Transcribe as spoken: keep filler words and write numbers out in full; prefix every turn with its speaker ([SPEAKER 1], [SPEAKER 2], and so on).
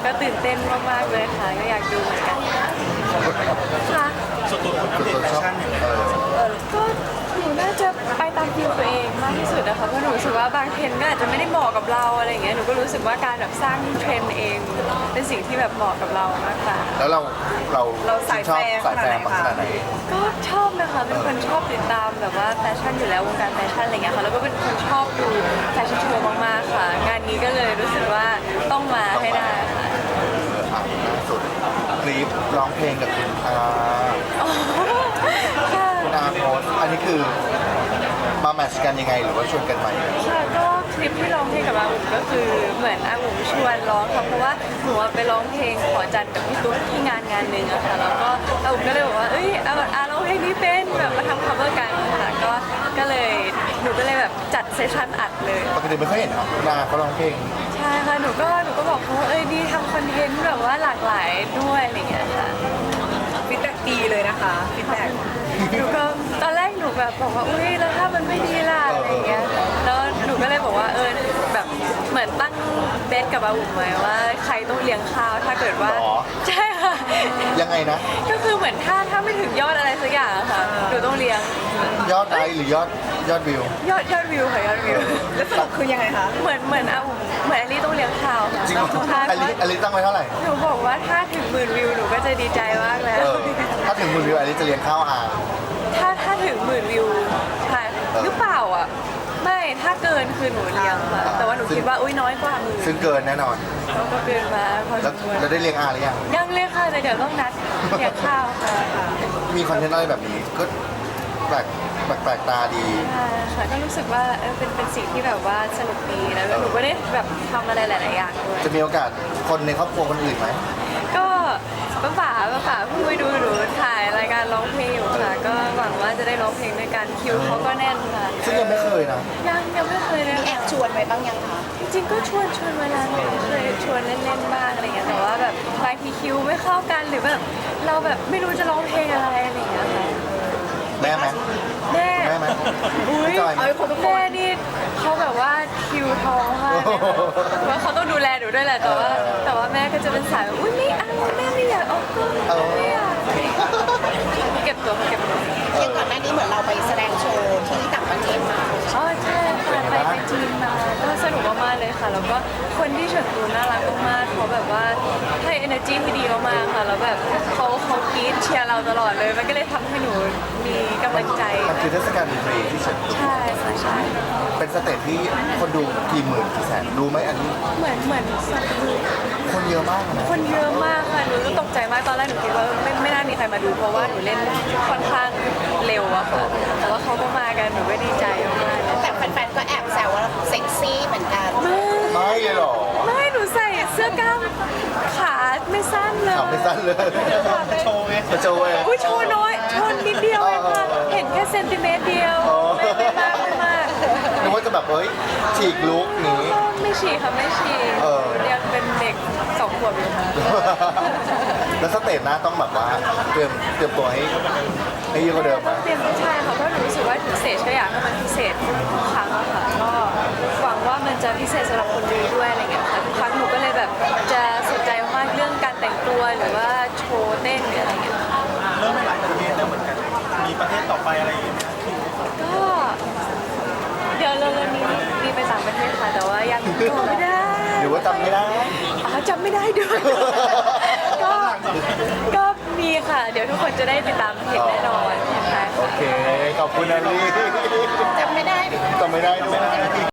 [SPEAKER 1] ก็ตื่นเต้นมากๆเลยค่ะก็อยากดูเหมือนกันค่ะ
[SPEAKER 2] ส่วนตัวคุณอัปเดตแฟชั่นยังไง
[SPEAKER 1] ก็หนูน่าจะไปตามฟิลตัวเองมากที่สุดนะคะเพราะหนูรู้สึกว่าบางเทรนด์ก็อาจจะไม่ได้เหมาะกับเราอะไรอย่างเงี้ยหนูก็รู้สึกว่าการแบบสร้างเทรนด์เองเป็นสิ่งที่แบบเหมาะกับเรามากกว่า
[SPEAKER 3] แล้วเราเรา
[SPEAKER 4] เราสาย
[SPEAKER 3] ชอบ
[SPEAKER 4] แฟร์
[SPEAKER 3] สายแฟร์
[SPEAKER 4] ขนาดไหนคะ
[SPEAKER 3] ขนาดไหน
[SPEAKER 1] ก็ชอบนะคะเป็นคนชอบติดตามแบบว่าแฟชั่นอยู่แล้ววงการแฟชั่นอะไรเงี้ยค่ะแล้วก็เป็นคนชอบดูแฟชั่นโชว์มากๆค่ะ งานนี้ก็เลยรู้สึกว่าต้องมาให้ได้ค่ะ
[SPEAKER 3] เอออ่ะล่าสุดคลิปร้องเพลงกับคุณอา
[SPEAKER 1] อ๋อค่ะ
[SPEAKER 3] คุณอาโพสต์อันนี้คือมาแมทช์กันยังไงหรือว่าชวนกันใหม่
[SPEAKER 1] ค่ะก็คลิปที่ร้องเพลงกับอาอุ๋มก็คือเหมือนอาอุ๋มชวนร้องค่ะเพราะว่าหนูไปร้องเพลงขอจันทร์กับพี่ตุ๊กที่งานงานหนึ่งอะค่ะแล้วก็อาอุ๋มก็เลยบอกว่าเอ้ยอาอาร้องเพลงนี้เป็นแบบมาทำ cover กันค่ะก็ก็เลยหนูก็เลยแบบจัดเซสชั่นอัดเลย
[SPEAKER 3] ปกติไม่ค่อยเห็นคุณอาเขาร้องเพลง
[SPEAKER 1] ใช่ค่ะหนูก็หนูก็บอกเขาว่าเอ้ยดีทำคอนเทนต์แบบว่าหลากหลายด้วยอะไรอย่างเงี้ยค่ะ
[SPEAKER 4] ฟีดแบ็กดีเลยนะคะฟีดแบ็ก
[SPEAKER 1] หนูก็ตอนแรกหนูแบบบอกว่าอุ้ยแล้วถ้ามันไม่ดีล่ะอะไรอย่างเงี้ยแล้วหนูก็เลยบอกว่าเออแบบเหมือนตั้งเบสกับอาอุ๋มไว้ว่าใครต้องเลี้ยงข้าวถ้าเกิดว่า
[SPEAKER 3] หรอ
[SPEAKER 1] ใช่ค่ะ
[SPEAKER 3] ยังไงนะ
[SPEAKER 1] ก็คือเหมือนถ้าถ้าไม่ถึงยอดอะไรสักอย่างอะค่ะหนูต้องเลี้ยง
[SPEAKER 3] ยอดไลค์หรือยอดยอดวิว
[SPEAKER 1] ยอดยอดวิวค่ะยอดวิว
[SPEAKER 4] แล้วสรุปคือยังไงคะ
[SPEAKER 1] เหมือนเหมือนอาอุ๋มเหมือนอลี่ต้องเลี้ยงข้าวค่ะ
[SPEAKER 3] จริงเหรอ
[SPEAKER 1] ใช่
[SPEAKER 3] อลิอลิตั้งไว้เท่าไหร่
[SPEAKER 1] หนูบอกว่าถ้าถึงหมื่นวิวหนูก็จะดีใจมากแล้
[SPEAKER 3] เอ
[SPEAKER 1] ว
[SPEAKER 3] อถ้าถึงหมื่นวิวอลิจะเลี้ยงข้าวอา
[SPEAKER 1] ถ้าถ้าถึงหมื่นวิวใช่
[SPEAKER 3] เออ
[SPEAKER 1] หรือเปล่าอ่ะไม่ถ้าเกินคือหนูเลี้ยงค่ะแต่ว่าหนูคิดว่าอุ้ยน้อยกว่าหมื่น
[SPEAKER 3] ซึ่งเกินแน่นอน
[SPEAKER 1] เขาก็เกินมาพอส
[SPEAKER 3] แล้ว
[SPEAKER 1] มควร
[SPEAKER 3] แล้วได้เลี้ยงอาหรือยัง
[SPEAKER 1] ยังเลยค่ะแต่เดี๋ยวต้องนัดเลี้ยงข้าวค่ะ
[SPEAKER 3] มีคอนเทนต์อะไรแบบนี้ก็แปลกแปลกแปลกตาดี
[SPEAKER 1] ใช่ค่ะก็รู้สึกว่าเออเป็นเป็นสิ่งที่แบบว่าสนุกดีแล้วหนูก็ได้แบบทำอะไรหลาย ๆ อย่างด้วย
[SPEAKER 3] จะมีโอกาสคนในครอบครัวคนอื่นไหม
[SPEAKER 1] ก็ป้าป๋าป้าป๋าเพิ่งไปดูหนูถ่ายรายการร้องเพลงอยู่ค่ะ ก็หวังว่าจะได้ร้องเพลงด้วยกันคิวเขาก็แน่นค่ะ
[SPEAKER 3] ซึ่งยังไม่เคยนะ
[SPEAKER 1] ยังยังไม่เคยเลย
[SPEAKER 4] มีแอ
[SPEAKER 1] ค่ะ
[SPEAKER 4] บชวนไปบ้างยังคะ
[SPEAKER 1] จริงๆก็ชวนชวนเวลาหนูเคยชวนเล่นๆบ้างอะไรเงี้ยแต่ว่าแบบบางทีคิวไม่เข้ากันหรือแบบเราแบบไม่รู้จะร้องเพลงอะไรอะไรเงี้ยค่ะ
[SPEAKER 3] แม่ไหม
[SPEAKER 1] แม่
[SPEAKER 3] แม่ไหม
[SPEAKER 1] อุ้ย
[SPEAKER 3] จอย
[SPEAKER 4] เอาให้คนทุกคน
[SPEAKER 1] แม่นี่เขาแบบว่าคิวท้องมากเลยค่ะว่าเขาต้องดูแลหนูด้วยแหละแต่ว่าแต่ว่าแม่ก็จะเป็นสายแบบอุ้ยไม่เอาแม่ไม่อยากออกกล้องไม่อยากเก็บตัวเก็บตัว
[SPEAKER 4] อย่างก่อนหน้านี้เหมือนเราไปแสดงโชว์ที่ต่างประเทศมา
[SPEAKER 1] อ๋อใช่ค่ะไปไปจีนมาก็สนุกมากๆเลยค่ะ แล้วก็คนที่เฉิดตูน่ารักมากๆเขาแบบว่าให้ energy ที่ดีมากๆค่ะแล้วแบบเขาเขากรี๊ดเชียร์เราตลอดเลย มันก็เลยทำให้หนูมีกำลังใจ
[SPEAKER 3] มันคือเทศกาลดนตรีที่เฉินตู
[SPEAKER 1] ใช่ค่ะใช่
[SPEAKER 3] เป็นสเตจที่คนดูกี่หมื่นกี่แสนรู้ไหมอันนี้
[SPEAKER 1] เหมือนเหมือนสัตว์ดู
[SPEAKER 3] คนเยอะมากนะ
[SPEAKER 1] คนเยอะมากค่ะหนูก็ตกใจมากตอนแรกหนูคิดว่าไม่ไม่น่ามีใครมาดูเพราะว่าหนูเล่นค่อนข้างเร็วอะค่ะแต่ว่าเขาก็มากันหนูก็ดีใจมากๆเลย
[SPEAKER 4] แต่แฟนๆก็แอบแซวว่าเซ็กซี่เหมือนกัน
[SPEAKER 3] ไม่เลยเหรอ
[SPEAKER 1] ไม่หนูใส่เสื้อกล้ามขาไม่สั้นเลย
[SPEAKER 3] ขับไม่สั้นเลย
[SPEAKER 2] โชว์ไง
[SPEAKER 3] มาโชว์เอง
[SPEAKER 1] อุ้ยโชว์น้อยโชว์นิดเดียวเองค่ะ เห็นแค่เซนติเมตรเดียว
[SPEAKER 3] อ๋อ
[SPEAKER 1] ไม่ไม่มากไม่มาก
[SPEAKER 3] นึกว่าจะแบบเอ้ยฉีกลุกนี้
[SPEAKER 1] ไม่ฉี่ค่ะไม่ฉี่
[SPEAKER 3] เออ
[SPEAKER 1] ยังเป็นเด็กสองขวบอยู่ค่ะ
[SPEAKER 3] แล้วสเตจหน้าต้องแบบว่าเตรียมเตรียมตัวให้ให้เยอะกว่าเดิมไหม
[SPEAKER 1] เตรียมใช่ค่ะเพราะหนูรู้สึกว่าถึงสเตจก็อยากให้มันพิเศษทุกครั้งอะค่ะก็หวังว่ามันจะพิเศษสำหรับคนดูด้วยอะไรเงี้ยค่ะทุกครั้งหนูก็เลยแบบจะสนใจมากเรื่องการแต่งตัวหรือว่าโชว์เต้นหรืออะไรเงี้ยค่ะ
[SPEAKER 2] เริ่มหลายประเทศแล้วเหมือนกัน มีประเทศต่อไปอะไรอย่างเงี้ยไหม
[SPEAKER 1] ก็เดี๋ยวเร็วๆนี้มีไปต่างประเทศค่ะแต่ว่ายังจำไม่ได้
[SPEAKER 3] หรือว่าจำไม่ได้
[SPEAKER 1] อ๋อจำไม่ได้ด้วย ก็ก็มีค่ะ เดี๋ยวทุกคนจะได้ติดตามเห็นแน่นอนนะคะ
[SPEAKER 3] โอเค ขอบคุณนะลี่
[SPEAKER 4] จำไม่ได้
[SPEAKER 3] จำไม่ได้ด้วย